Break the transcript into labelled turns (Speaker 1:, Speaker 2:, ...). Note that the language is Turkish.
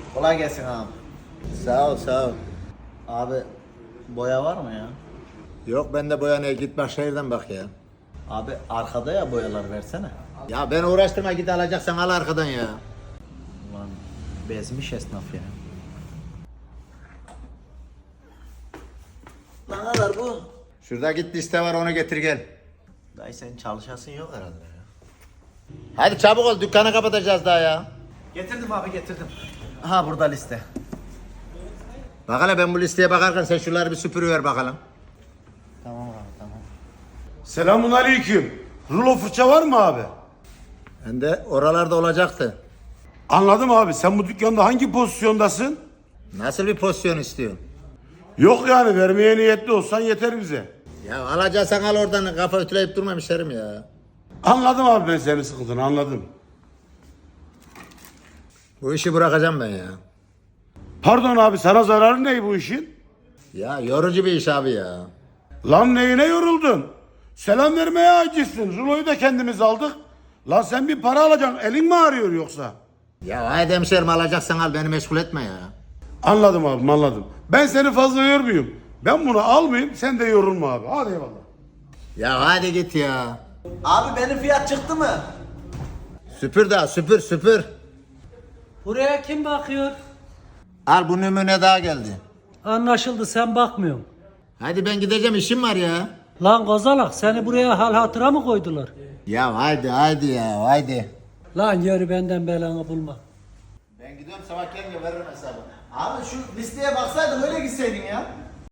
Speaker 1: Kolay gelsin abi.
Speaker 2: Sağ ol, sağ ol.
Speaker 1: Abi boya var mı ya?
Speaker 2: Yok bende boyanaya git Başşehir'den bak ya.
Speaker 1: Abi arkada ya boyalar versene.
Speaker 2: Ya beni uğraştırma git alacaksan al arkadan ya.
Speaker 1: Ulan bezmiş esnaf ya. Ne kadar bu?
Speaker 2: Şurada git liste var onu getir gel.
Speaker 1: Dayı senin çalışasın yok herhalde ya.
Speaker 2: Hadi çabuk ol dükkanı kapatacağız daha ya.
Speaker 1: Getirdim abi getirdim. Aha burada liste.
Speaker 2: Bak hele ben bu listeye bakarken sen şunları bir süpürüver bakalım.
Speaker 1: Tamam abi tamam.
Speaker 3: Selamun aleyküm. Rulo fırça var mı abi?
Speaker 2: Ben de oralarda olacaktı.
Speaker 3: Anladım abi. Sen bu dükkanda hangi pozisyondasın?
Speaker 2: Nasıl bir pozisyon istiyorsun?
Speaker 3: Yok yani vermeye niyetli olsan yeter bize.
Speaker 2: Ya alacaksan al oradan kafa ütüleyip durma müşterim ya.
Speaker 3: Anladım abi ben senin sıkıntını anladım.
Speaker 2: Bu işi bırakacağım ben ya.
Speaker 3: Pardon abi sana zararı ne bu işin?
Speaker 2: Ya yorucu bir iş abi ya.
Speaker 3: Lan neyine yoruldun? Selam vermeye acizsin. Rulo'yu da kendimiz aldık. Lan sen bir para alacaksın. Elin mi ağrıyor yoksa?
Speaker 2: Ya haydi hemşerim alacaksan al beni meşgul etme ya.
Speaker 3: Anladım abi anladım. Ben seni fazla yormuyum. Ben bunu almayayım sen de yorulma abi. Hadi eyvallah.
Speaker 2: Ya hadi git ya.
Speaker 1: Abi benim fiyat çıktı mı?
Speaker 2: Süpür daha süpür süpür.
Speaker 4: Buraya kim bakıyor?
Speaker 2: Al bu numune daha geldi.
Speaker 4: Anlaşıldı, sen bakmıyorsun.
Speaker 2: Hadi ben gideceğim işim var ya.
Speaker 4: Lan kozalak, seni buraya hal hatıra mı koydular?
Speaker 2: Ya haydi ya haydi.
Speaker 4: Lan yürü, benden belanı bulma.
Speaker 2: Ben gidiyorum sabah gelince veririm hesabı.
Speaker 1: Abi şu listeye baksaydın öyle gitseydin ya.